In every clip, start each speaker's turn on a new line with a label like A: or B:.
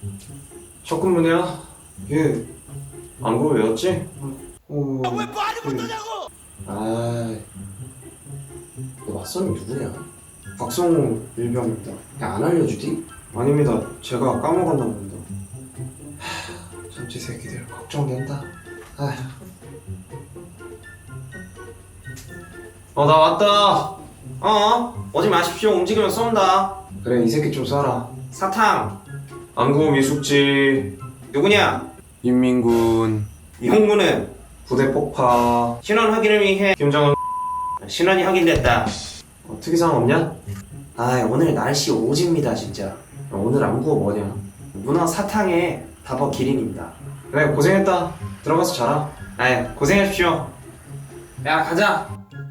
A: 첫 근무냐? 얘 안구 왜였지?
B: 왜 말을 못하냐고!
A: 너 맞선이 누구냐? 박성우 일병입니다. 야, 안 알려주디? 아닙니다. 제가 까먹었나 봅니다. 참치 새끼들 걱정된다. 나 왔다. 오지 마십시오. 움직이면 쏜다. 그래, 이 새끼 좀 쏴라. 사탕. 안구 미숙지. 누구냐?
C: 인민군.
A: 이홍구는 부대 폭파. 신원 확인을 위해 김정은 신원이 확인됐다. 특이사항 없냐? 오늘 날씨 오지입니다 진짜. 오늘 안구가 뭐냐? 문어 사탕에 다버 기린입니다. 그래, 고생했다. 들어가서 자라. 고생하십시오. 야, 가자.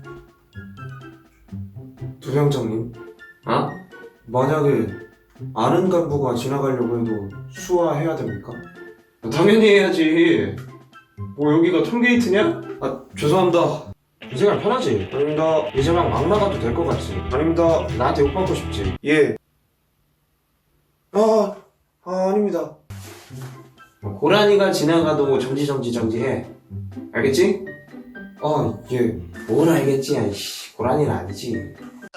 A: 두병장님, 만약에 아는 간부가 지나가려고 해도 수화해야 됩니까? 당연히 해야지. 뭐 여기가 톨게이트냐? 죄송합니다. 이 생각 편하지? 아닙니다. 이제 막 나가도 될 것 같지? 아닙니다. 나한테 욕받고 싶지? 예. 아닙니다. 고라니가 지나가도 정지해. 알겠지? 예. 뭘 알겠지? 아이씨, 고라니는 아니지.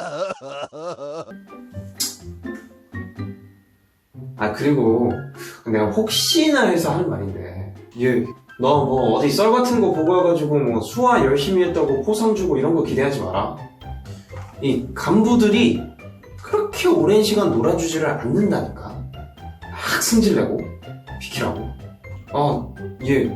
A: 그리고 내가 혹시나 해서 하는 말인데, 예. 너 뭐 어디 썰 같은 거 보고 와가지고 뭐 수화 열심히 했다고 포상 주고 이런 거 기대하지 마라. 이 간부들이 그렇게 오랜 시간 놀아주지를 않는다니까. 막 승질내고 비키라고. 예.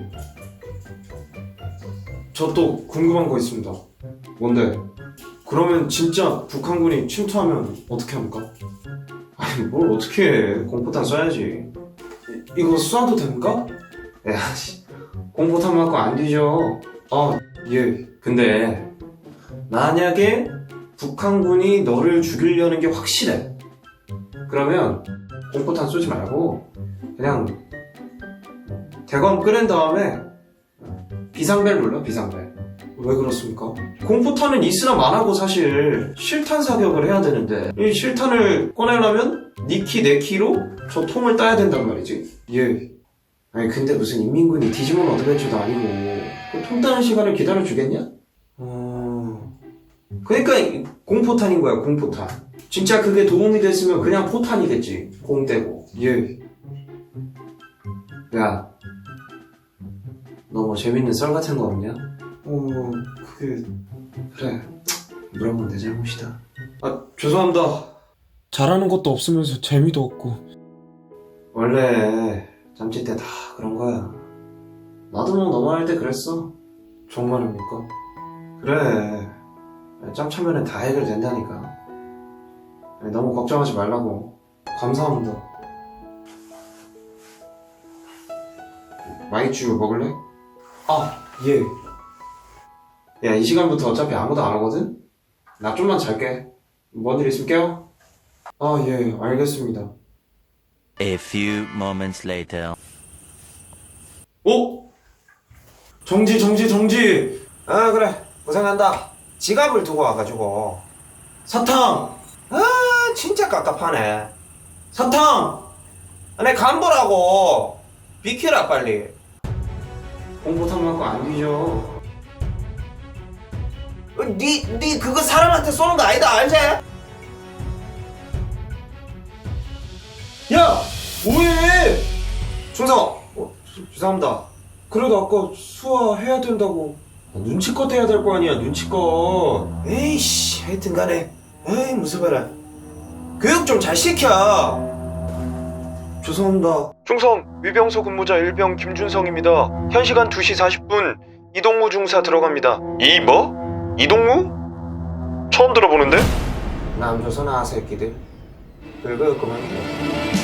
A: 저 또 궁금한 거 있습니다. 뭔데? 그러면 진짜 북한군이 침투하면 어떻게 합니까? 뭘 어떻게 해. 공포탄 쏴야지. 이거 쏴도 됩니까? 공포탄 맞고 안 뒤져. 예. 근데 만약에 북한군이 너를 죽이려는 게 확실해. 그러면 공포탄 쏘지 말고 그냥 대검 끄낸 다음에 비상벨 눌러, 비상벨. 왜 그렇습니까? 공포탄은 있으나 마나고 사실 실탄 사격을 해야 되는데 이 실탄을 꺼내려면 니 키 내 키로 저 통을 따야 된단 말이지. 예. 근데 무슨 인민군이 디지몬 어드벤처도 아니고 그 통 따는 시간을 기다려주겠냐? 그러니까 공포탄인 거야, 공포탄. 진짜 그게 도움이 됐으면 그냥 포탄이겠지. 공 떼고. 예. 야, 너 뭐 재밌는 썰 같은 거 없냐? 그래. 물어보면 내 잘못이다. 죄송합니다. 잘하는 것도 없으면서 재미도 없고. 원래 잠실 때 다 그런 거야. 나도 뭐 너만 할 때 그랬어. 정말입니까? 그래. 짬 차면은 다 해결된다니까. 너무 걱정하지 말라고. 감사합니다. 마이쮸 먹을래? 예. 야, 이 시간부터 어차피 아무도 안 오거든? 나 좀만 잘게. 뭔 일 있으면 깨워? 예, 알겠습니다.
D: A few moments later.
A: 정지. 그래. 고생한다. 지갑을 두고 와가지고. 사탕! 진짜 깝깝하네. 사탕! 내 간보라고. 비켜라, 빨리. 공포탄 맞고 안 뒤져. 니 그거 사람한테 쏘는 거 아니다, 알지? 야! 뭐해! 충성! 죄송합니다. 그래도 아까 수화해야 된다고. 눈치껏 해야 될 거 아니야, 눈치껏. 에이씨, 하여튼 간에. 에이, 무서워라. 교육 좀 잘 시켜. 죄송합니다. 충성, 위병소 근무자 일병 김준성입니다. 현 시간 2시 40분, 이동무 중사 들어갑니다. 이동무? 처음 들어보는데? 남조선아 새끼들. 긁어 그만.